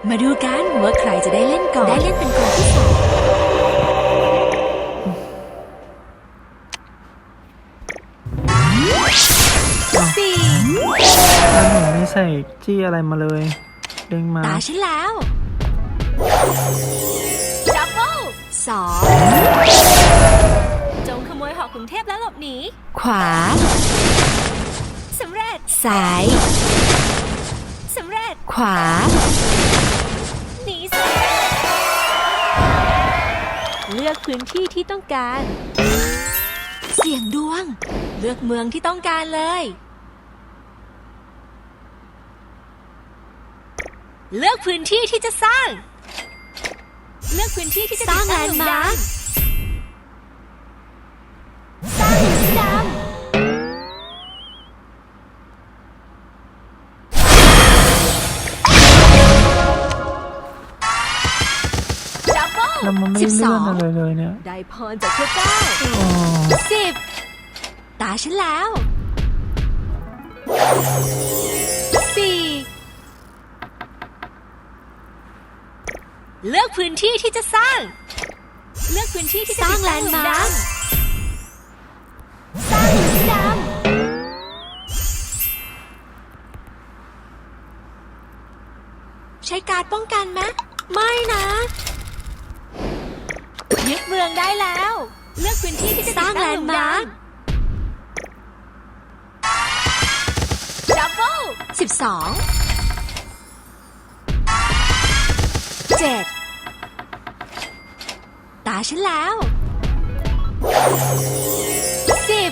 มาดูกันว่าใครจะได้เล่นก่อนได้เล่นเป็นคนที่สองสี่แล้วหนูไม่ใส่จี้อะไรมาเลยเด้งมาตาฉันแล้วดับเบิลสองจงขโมยหอกกรุงเทพแล้วหลบหนีขวาสำเร็จซ้ายสำเร็จขวาหนีสำเร็จเลือกพื้นที่ที่ต้องการเสี่ยงดวงเลือกเมืองที่ต้องการเลยเลือกพื้นที่ที่จะสร้างเลือกพื้นที่ที่จะสร้างแลนด์มาร์คสร้างหินสีดำดับเบิ้ลแล้วมันไม่เลื่อนอะไรเลยเนี่ยได้พรจากพระเจ้าอ๋อ 10ตาฉันแล้ว4เลือกพื้นที่ที่จะสร้างเลือกพื้นที่ที่จะสร้างแลนด์มาร์คสร้างหินสีดำใช้การ์ดป้องกันไหมไม่นะยึดเมืองได้แล้วเลือกพื้นที่ที่จะสร้างแลนด์มาร์คดับเบิล12 7ตาฉันแล้ว10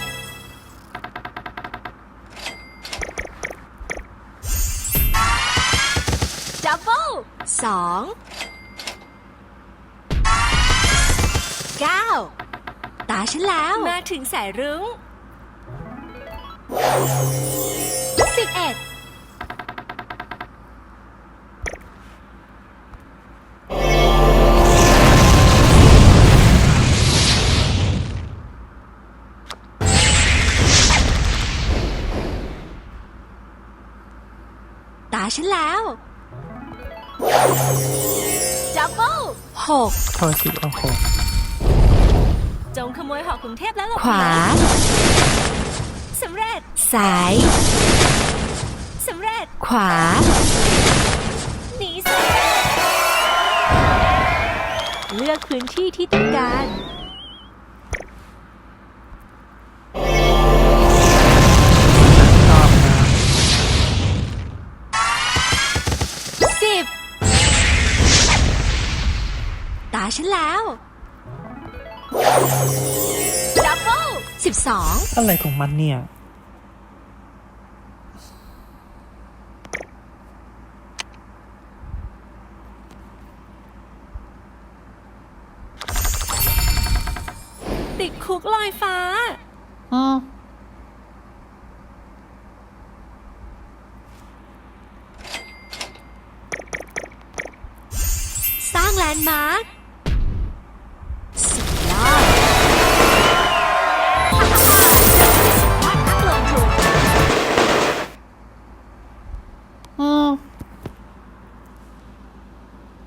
ดับเบิล2 9ตาฉันแล้วมาถึงสายรุ้ง11ตาฉันแล้วดับเบิล6 พอสิโอ้โหจงขโมยหอกกรุงเทพแล้วหลบหนีขวาสำเร็จซ้ายสำเร็จขวาหนีสำเร็จเลือกพื้นที่ที่ต้องการชอบนะ 10ตาฉันแล้วดับเบิล12 อะไรของมันเนี่ยติดคุกลอยฟ้า